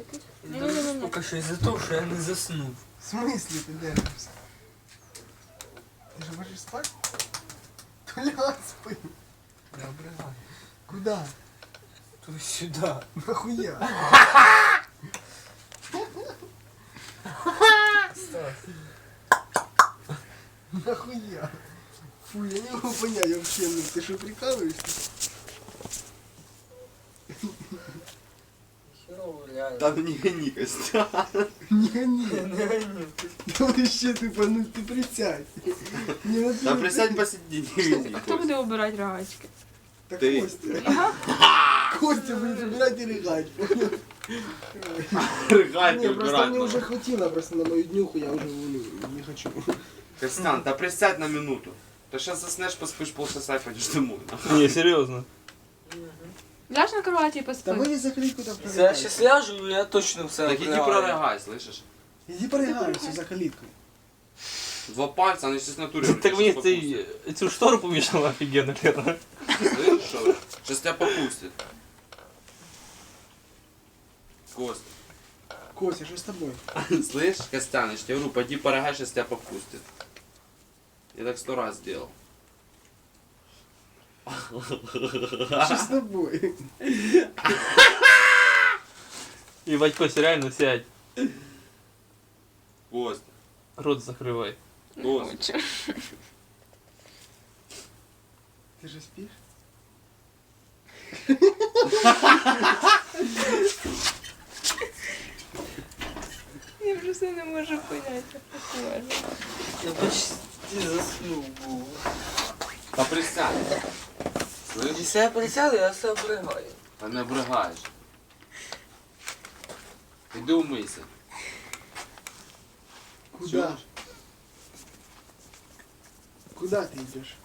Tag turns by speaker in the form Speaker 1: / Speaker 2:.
Speaker 1: якийсь.
Speaker 2: Ні-ні-ні.
Speaker 3: Поки що із-за того, що я не заснув.
Speaker 4: В смысле ты держишься? Ты же хочешь спать? То ляг спи.
Speaker 3: Не обригай.
Speaker 4: Куда?
Speaker 3: Туди-сюди.
Speaker 4: Нахуя?
Speaker 3: Стас.
Speaker 4: Нахуя? Фу, я не могу понять вообще, ну ты что, прикалываешься?
Speaker 3: Херово реально.
Speaker 5: Там не гони, Костя.
Speaker 4: Не гони.
Speaker 3: Не гоню.
Speaker 4: Да вообще ты, ну ты присядь. Не надо.
Speaker 5: Да присядь посиди, не гони.
Speaker 2: Хто буде обирати рогачки?
Speaker 4: Так
Speaker 5: Ты.
Speaker 4: Костя. Костя будет убирать и рыгать.
Speaker 5: Рыгать
Speaker 4: Не,
Speaker 5: не
Speaker 4: просто мне уже
Speaker 5: убирать.
Speaker 4: хватило просто на мою днюху, я уже не хочу.
Speaker 5: Костян, да присядь на минуту. Ты сейчас заснешь, поспишь полчаса и пойдешь домой.
Speaker 6: Не, серьезно.
Speaker 2: Ляж на кроваті і
Speaker 4: Да
Speaker 2: поспи.
Speaker 4: вы закрыть куда
Speaker 3: Якщо я сейчас ляжу, я точно все
Speaker 5: Так иди
Speaker 3: обригаю.
Speaker 5: прорыгай, слышишь?
Speaker 4: Иди порыгайся за калиткой.
Speaker 5: Два пальца, они сейчас натуре.
Speaker 6: Так мені цю штору помішала офігенно, Лера.
Speaker 5: Слышишь, что? Сейчас тебя попустит. Кость.
Speaker 4: Костя, что с тобой?
Speaker 5: Слышь, Костян, я тебе говорю, пойди порыгай, сейчас тебя попустит. Я так 100 раз сделал.
Speaker 4: Что с тобой?
Speaker 6: Ебать, Костя, реально сядь.
Speaker 5: Кость.
Speaker 6: Рот закривай.
Speaker 5: Кость.
Speaker 4: Ты же спишь?
Speaker 2: Я просто не можу поняти, як так можна.
Speaker 3: Я почти заснув був.
Speaker 5: Да присядь. Слышь?
Speaker 3: Якщо я присяду, я все обригаю.
Speaker 5: Та не обригаєш. Іди умийся.
Speaker 4: Куда?
Speaker 5: Чуєш?
Speaker 4: Куда ты идешь?